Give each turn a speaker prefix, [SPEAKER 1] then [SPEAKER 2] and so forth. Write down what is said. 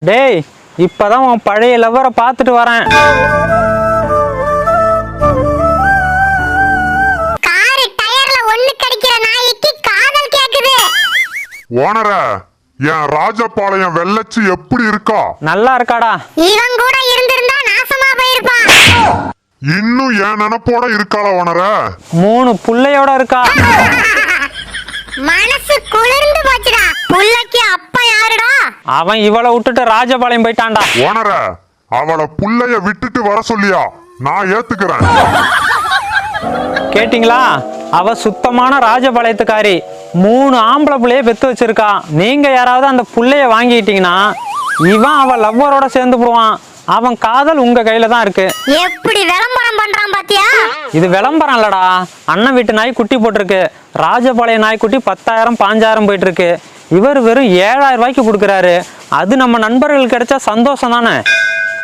[SPEAKER 1] டேய், இப்பதான் உன் பழைய லவ்வரை பார்த்துட்டு வரேன்.
[SPEAKER 2] கார் டயர்ல ஒண்ணு கடிக்கிற நாய்க்கு காதல் கேக்குது.
[SPEAKER 3] ஓனர, என் ராஜபாளையம் வெள்ளச்சி எப்படி இருக்கா?
[SPEAKER 1] நல்லா இருக்காடா.
[SPEAKER 2] இவன் கூட இருந்திருந்தா நாசமா போயிருப்பான்.
[SPEAKER 3] இன்னும் என் நினைப்போட இருக்காளா ஓனர?
[SPEAKER 1] 3 புள்ளையோட இருக்கா.
[SPEAKER 2] மனசு குளிர்ந்து போச்சுடா. புள்ளைக்கு அப்பா யாருடா?
[SPEAKER 1] அவன் இவளை விட்டுட்டு ராஜபாளையம் போயிட்டான்டா.
[SPEAKER 3] ஓனர, அவளை புள்ளைய விட்டுட்டு வர சொல்லியா? நான் ஏத்துக்கிறேன்.
[SPEAKER 1] கேட்டிங்களா? அவ சுத்தமான ராஜபாளையத்துக்காரி. 3 ஆம்பளை புள்ளைய பெத்து வச்சிருக்கா. நீங்க யாராவது அந்த புள்ளைய வாங்கிட்டீங்கன்னா இவன் அவ லவ்வரோட சேர்ந்து போடுவான். அவன் காதல் உங்க கையில தான் இருக்கு.
[SPEAKER 2] எப்படி விளம்பரம் பண்றான் பாத்தியா?
[SPEAKER 1] இது விளம்பரம் இல்லடா. அண்ணன் வீட்டு நாய் குட்டி போட்டிருக்கு. ராஜபாளைய நாய்க்குட்டி 10,000 5,000 போயிட்டு இருக்கு. இவர் வெறும் 7,000 ரூபாய்க்கு கொடுக்குறாரு. அது நம்ம நண்பர்களுக்கு கிடைச்சா சந்தோஷம் தானே.